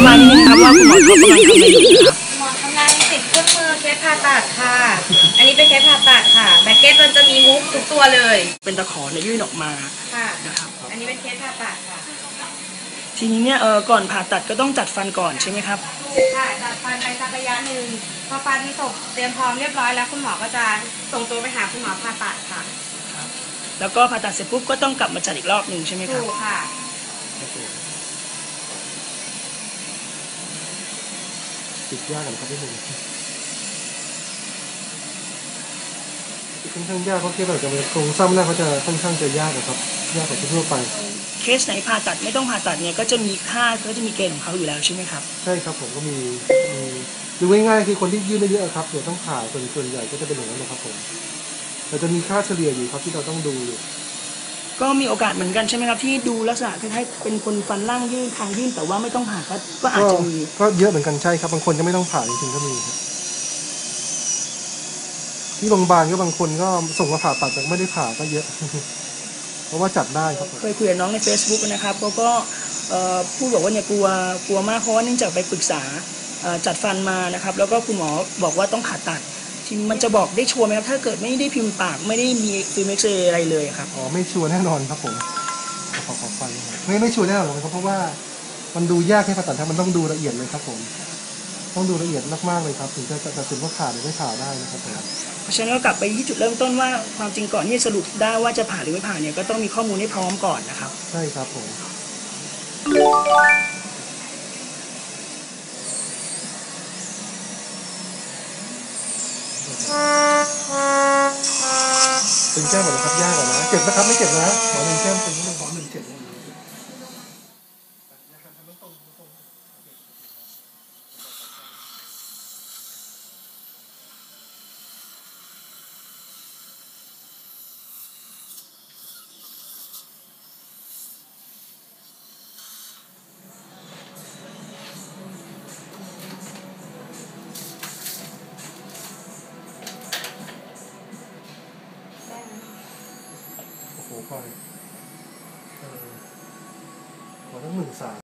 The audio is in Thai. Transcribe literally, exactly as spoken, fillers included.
มานิดนึงครับว่าคุณหมอเขากำลังทำอะไรอยู่ครับหมอทำงานติดเครื่องมือเคสผ่าตัดค่ะอันนี้เป็นเคสผ่าตัดค่ะแบ็กเก็ตมันจะมีฮุกทุกตัวเลยเป็นตะขอเนี่ยยื่นออกมาค่ะนะครับอันนี้เป็นเคสผ่าตัดค่ะทีนี้เนี่ยเออก่อนผ่าตัดก็ต้องจัดฟันก่อนใช่ไหมครับค่ะจัดฟันไปสักระยะหนึ่งพอฟันตกเตรียมพร้อมเรียบร้อยแล้วคุณหมอก็จะส่งตัวไปหาคุณหมอผ่าตัดค่ะแล้วก็ผ่าตัดเสร็จปุ๊บก็ต้องกลับมาจัดอีกรอบหนึ่งใช่ไหมครับถูกค่ะติดยากกันครับพี่หนุ่มค่อนข้างยากเพราะที่แบบจะเป็นโครงสร้างหน้าเขาจะค่อนข้างจะยากนะครับยากกว่าทั่วไปเคสไหนผ่าตัดไม่ต้องผ่าตัดเนี่ยก็จะมีค่าก็จะมีเกณฑ์ของเขาอยู่แล้วใช่ไหมครับใช่ครับผมก็มีมีดูง่ายๆคือคนที่ยื่นได้เยอะครับเดี๋ยวต้องผ่าส่วนส่วนใหญ่ก็จะเป็นอย่างนั้นนะครับผมเราจะมีค่าเฉลี่ยอยู่ครับที่เราต้องดูอยู่ก็มีโอกาสเหมือนกันใช่ไหมครับที่ดูลักษณะคล้ายๆเป็นคนฟันล่างยื่นทางยื่นแต่ว่าไม่ต้องผ่าก็ก็อาจจะมีก็เยอะเหมือนกันใช่ครับบางคนจะไม่ต้องผ่าจริงๆก็มีครับที่โรงพยาบาลก็บางคนก็ส่งมาผ่าตัดแต่ไม่ได้ผ่าก็เยอะเพราะว่าจัดได้ครับเคยคุยกับน้องใน Facebook นะครับเขาก็พูดบอกว่าเนี่ยกลัวกลัวมากเพราะว่าเนื่องจากไปปรึกษาจัดฟันมานะครับแล้วก็คุณหมอบอกว่าต้องผ่าตัดทีมันจะบอกได้ชัวร์ไหมครับถ้าเกิดไม่ได้พิมพ์ปากไม่ได้มีฟิล์มเอ็กซเรย์อะไรเลยครับอ๋อไม่ชัวร์แน่นอนครับผมขอขอฟันไม่ไม่ชัวร์แน่นอนครับเพราะว่ามันดูยากให้ผ่าตัดครับมันต้องดูละเอียดเลยครับผมต้องดูละเอียดมากๆเลยครับถึงจะตัดสินว่าผ่าหรือไม่ผ่าได้นะครับเพราะฉะนั้นเรากลับไปที่จุดเริ่มต้นว่าความจริงก่อนที่จะสรุปได้ว่าจะผ่าหรือไม่ผ่าเนี่ยก็ต้องมีข้อมูลให้พร้อมก่อนนะครับใช่ครับผมเป็นแก้มหมดแล้วครับยากกว่านะเจ็บนะครับไม่เจ็บนะหมอหนึ่งแก้มเป็นหนึ่งหมอหนึ่งเจ็บโอ้โหพอเลยเออขอตั้งหมื่นสาม